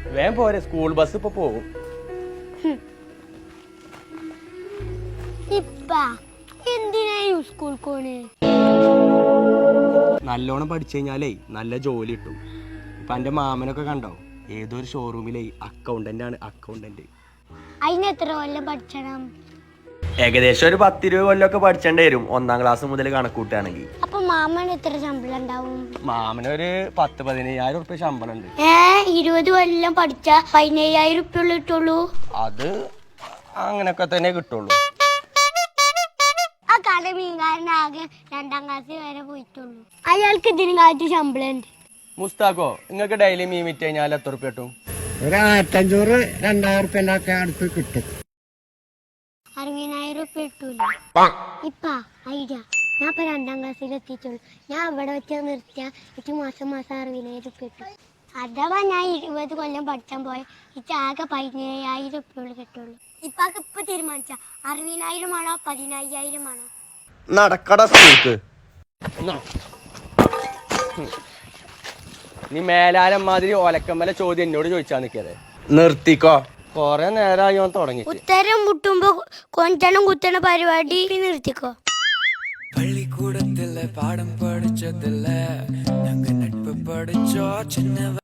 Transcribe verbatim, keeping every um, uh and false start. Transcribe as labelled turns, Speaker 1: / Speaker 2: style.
Speaker 1: വേഗം പോരെ, school bus ഇപ്പൊ പോകും. നല്ലോണം പഠിച്ചു കഴിഞ്ഞാലേ നല്ല ജോലി കിട്ടും. ഇപ്പൊ എന്റെ മാമനൊക്കെ കണ്ടോ, ഏതൊരു ഷോറൂമിലെ അക്കൗണ്ടന്റ് ആണ്. അക്കൗണ്ടന്റ്
Speaker 2: അതിന് എത്ര കൊല്ലം പഠിച്ചണം?
Speaker 1: ഏകദേശം ഒരു പത്തിരുപത് കൊല്ലമൊക്കെ പഠിച്ചേണ്ടി വരും, ഒന്നാം ക്ലാസ് മുതൽ കണക്കൂട്ടുകയാണെങ്കിൽ.
Speaker 2: അപ്പൊ മാമന് എത്ര ശമ്പളം ഉണ്ടാവും?
Speaker 1: മാമനൊരു പത്ത് പതിനയ്യായിരം ഉറുപ്പ്യ ശമ്പളം ഉണ്ട്.
Speaker 2: ഏ ഇരുപത് കൊല്ലം പഠിച്ച പതിനയ്യായിരം ഉറുപ്പ്യ കിട്ടുള്ളൂ?
Speaker 1: അത് അങ്ങനൊക്കെ തന്നെ കിട്ടുള്ളൂ.
Speaker 2: ആ കട മീൻകാരനാകെ രണ്ടാം ക്ലാസ് വരെ പോയിട്ടുള്ളൂ. അയാൾക്ക് ഇതിന് കാറ്റ് ശമ്പളം ഉണ്ട്.
Speaker 1: മുസ്താഖോ, നിങ്ങൾക്ക് ഡെയിലി മീൻ വിറ്റ് കഴിഞ്ഞാൽ എത്ര ഉറുപ്പ്യ കിട്ടും?
Speaker 3: ഒരു ആയിരത്തഞ്ഞൂറ് രണ്ടായിരം ഉറുപ്പ്യൻ്റെ അടുത്ത് കിട്ടും.
Speaker 2: അറുപതിനായിരം ഉറുപ്പ്യ കിട്ടൂല. ഇപ്പ ഐഡിയ, ഞാൻ ഇപ്പൊ രണ്ടാം ക്ലാസ്സിൽ എത്തിയിട്ടുള്ളൂ. ഞാൻ ഇവിടെ വെച്ച് നിർത്തിയ എനിക്ക് മാസം മാസം അറുപതിനായിരം ഉറുപ്പ്യ കിട്ടും. അഥവാ ഞാൻ ഇരുപത് കൊല്ലം പഠിച്ചാൻ പോയ എനിക്ക് ആകെ പതിനയ്യായിരം ഉറുപ്പ്യ കിട്ടുള്ളൂ. ഇപ്പൊക്കെ ഇപ്പൊ തീരുമാനിച്ച അറുപതിനായിരം ആണോ പതിനയ്യായിരം ആണോ?
Speaker 1: നടക്കട സ്കൂൾക്ക്. നീ മേലാലം മാതിരി ഒലക്കമ്മല ചോദ്യം എന്നോട് ചോദിച്ചാ നിക്കതെ. നിർത്തിക്കോ, കൊറേ നേരമായി ഓൻ തുടങ്ങി.
Speaker 2: ഉത്തരം മുട്ടുമ്പോ കൊഞ്ചണം കുത്തണ പരിപാടി നിർത്തിക്കോ.
Speaker 4: പള്ളിക്കൂടത്തിലെ പാഠം പഠിച്ചതില്ല, ഞങ്ങൾ നட்பு പഠിച്ചോ ചിന്ന